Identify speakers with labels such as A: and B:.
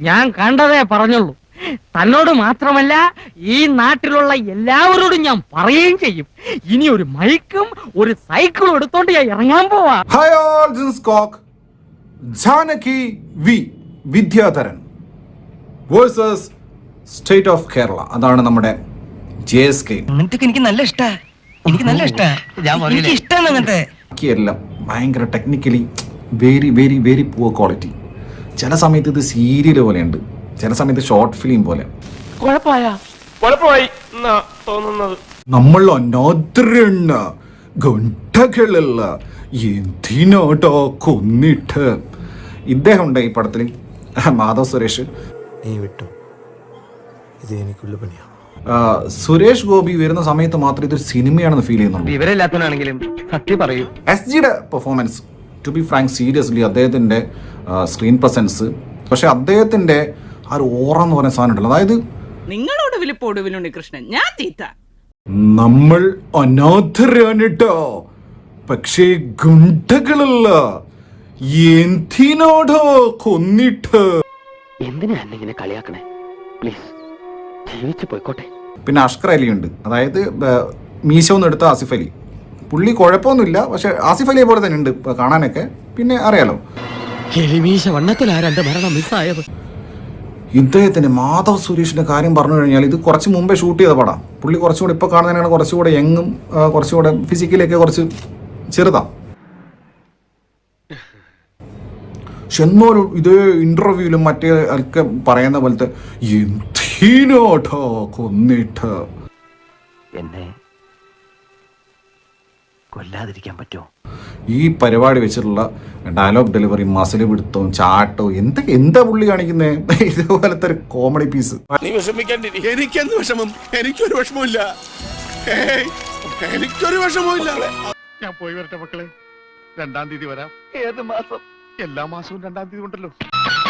A: ഞാൻ കണ്ടതേ പറഞ്ഞുള്ളൂ. തന്നോട് മാത്രമല്ല ഈ നാട്ടിലുള്ള എല്ലാവരോടും ഞാൻ പറയുകയും ചെയ്യും. ഇനി ഒരു മൈക്കും ഒരു സൈക്കിളും എടുത്തോണ്ട് ഞാൻ ഇറങ്ങാൻ പോവാ.
B: ഹായ് ഓൾ, ദിസ് ഈസ് കോക്ക്. Janaki V Vidyadharan versus state of Kerala. അതാണ് നമ്മുടെ JSK.
C: എനിക്ക് നല്ല ഇഷ്ടാ.
B: എല്ലാം ഭയങ്കര technically very very very poor quality. ചില സമയത്ത് ഇത് സീരിയൽ പോലെയുണ്ട്, ചില സമയത്ത് ഷോർട്ട് ഫിലിം പോലെ. നമ്മൾ അനാദരണ് ഗുണ്ടകളല്ല എന്തിനോട്ടോ കൊന്നിട്ട്. ഇദ്ദേഹം ഉണ്ട് ഈ പടത്തിൽ, മാധവ് സുരേഷ്.
D: നീ വിട്ടു, ഇത് എനിക്കുള്ള പണിയാ.
B: സുരേഷ് ഗോപി വരുന്ന സമയത്ത് മാത്രമേ ഇതൊരു സിനിമയാണെന്ന് ഫീൽ ചെയ്യുന്നുള്ളൂ.
A: വിവരമില്ലാത്തവനാണെങ്കിലും സത്യം പറയൂ.
B: SGയുടെ performance, to be frank, seriously അദ്ദേഹത്തിന്റെ സ്ക്രീൻ പ്രസൻസ്, പക്ഷെ അദ്ദേഹത്തിന്റെ ആ ഒരു ഓറ എന്ന് പറയുന്ന സാധനം ഉണ്ടല്ലോ, അതായത്
E: നിങ്ങളോട് വിളിപ്പോടുവിലുണ്ട് കൃഷ്ണൻ, ഞാൻ തീറ്റ.
B: നമ്മൾ അനാഥരാണിട്ടോ, പക്ഷേ ഗുണ്ടകളല്ല എന്തിനോടോ കൊന്നിട്ട്.
A: എന്തിനാ ഇങ്ങനെ കളിയാക്കണേ? പ്ലീസ് ജീവിച്ചു പോയിക്കോട്ടെ. പിന്നെ
B: അഷ്കർ അലി ഉണ്ട്, അതായത് മീശ ഒന്ന് എടുത്ത ആസിഫ് അലി. പുള്ളി കുഴപ്പമൊന്നുമില്ല, പക്ഷെ ആസിഫ് അലിയെ പോലെ തന്നെ ഉണ്ട് കാണാനൊക്കെ. പിന്നെ അറിയാലോ ഇദ്ദേഹത്തിന് മാധവ് സുരേഷിന്റെ കാര്യം പറഞ്ഞു കഴിഞ്ഞാൽ ഇത് കുറച്ച് മുമ്പേ ഷൂട്ട് ചെയ്ത പടം. പുള്ളി കുറച്ചുകൂടെ ഇപ്പൊ കാണുന്നതിനാണ് കുറച്ചുകൂടെ യങ്ങും കുറച്ചുകൂടെ ഫിസിക്കലൊക്കെ കുറച്ച് ചെറുതാ. പക്ഷെ എന്നോരും ഇതേ ഇന്റർവ്യൂവിലും മറ്റേ ഒക്കെ പറയുന്ന പോലത്തെ എന്തിനോട്ടോ കൊന്നിട്ട്.
C: എന്നെ കൊല്ലാതിരിക്കാൻ പറ്റുമോ?
B: ഈ പരിപാടി വെച്ചിട്ടുള്ള ഡയലോഗ് ഡെലിവറി, മസിൽ പിടുത്തവും ചാട്ടവും എന്താ പുള്ളി കാണിക്കുന്നേ? ഇതുപോലത്തെ ഒരു കോമഡി പീസ്.
F: എനിക്കെന്ത് വിഷമം? എനിക്കൊരു വിഷമമില്ല, എനിക്കൊരു വിഷമമില്ല. ഞാൻ പോയി വരട്ടെ മക്കളെ, 2-ാം തീയതി വരാം.
C: ഏത് മാസം?
F: എല്ലാ മാസവും 2-ാം തീയതി ഉണ്ടല്ലോ.